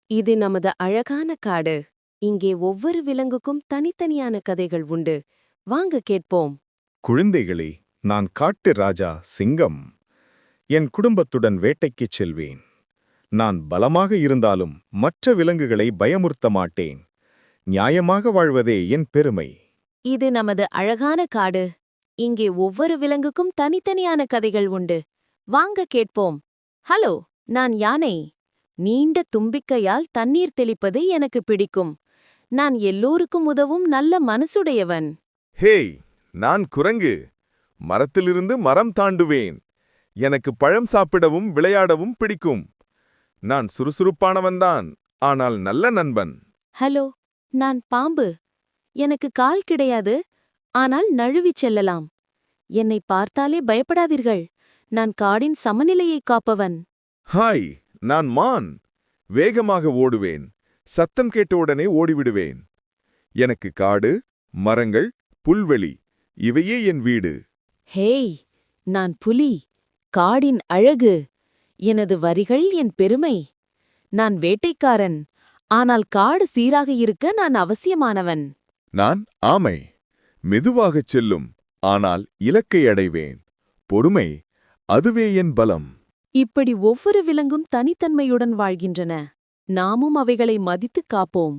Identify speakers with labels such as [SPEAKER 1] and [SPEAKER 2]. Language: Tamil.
[SPEAKER 1] இது நமது அழகான காடு. இங்கே ஒவ்வொரு விலங்குக்கும் தனித்தனியான கதைகள் உண்டு. வாங்க கேட்போம்.
[SPEAKER 2] குழந்தைகளே, நான் காட்டு ராஜா சிங்கம். என் குடும்பத்துடன் வேட்டைக்குச் செல்வேன். நான் பலமாக இருந்தாலும் மற்ற விலங்குகளை பயமுறுத்த மாட்டேன். நியாயமாக வாழ்வதே என் பெருமை.
[SPEAKER 1] இது நமது அழகான காடு. இங்கே ஒவ்வொரு விலங்குக்கும் தனித்தனியான கதைகள் உண்டு. வாங்க கேட்போம். ஹலோ, நான் யானை. நீண்ட தும்பிக்கையால் தண்ணீர் தெளிப்பது எனக்கு பிடிக்கும். நான் எல்லோருக்கும் உதவும் நல்ல மனசுடையவன்.
[SPEAKER 3] ஹேய், நான் குரங்கு. மரத்திலிருந்து மரம் தாண்டுவேன். எனக்கு பழம் சாப்பிடவும் விளையாடவும் பிடிக்கும். நான் சுறுசுறுப்பானவன்தான், ஆனால் நல்ல நண்பன்.
[SPEAKER 1] ஹலோ, நான் பாம்பு. எனக்கு கால் கிடையாது, ஆனால் நழுவிச் செல்லலாம். என்னை பார்த்தாலே பயப்படாதீர்கள். நான் காடின் சமநிலையை காப்பவன்.
[SPEAKER 3] ஹாய், நான் மான். வேகமாக ஓடுவேன். சத்தம் கேட்டவுடனே ஓடிவிடுவேன். எனக்கு காடு, மரங்கள், புல்வெளி இவையே என் வீடு.
[SPEAKER 1] ஹேய், நான் புலி. காடின் அழகு. எனது வரிகள் என் பெருமை. நான் வேட்டைக்காரன், ஆனால் காடு சீராக இருக்க நான் அவசியமானவன்.
[SPEAKER 3] நான் ஆமை. மெதுவாகச் செல்லும், ஆனால் இலக்கை அடைவேன். பொறுமை, அதுவே என் பலம்.
[SPEAKER 1] இப்படி ஒவ்வொரு விலங்கும் தனித்தன்மையுடன் வாழ்கின்றன. நாமும் அவைகளை மதித்துக் காப்போம்.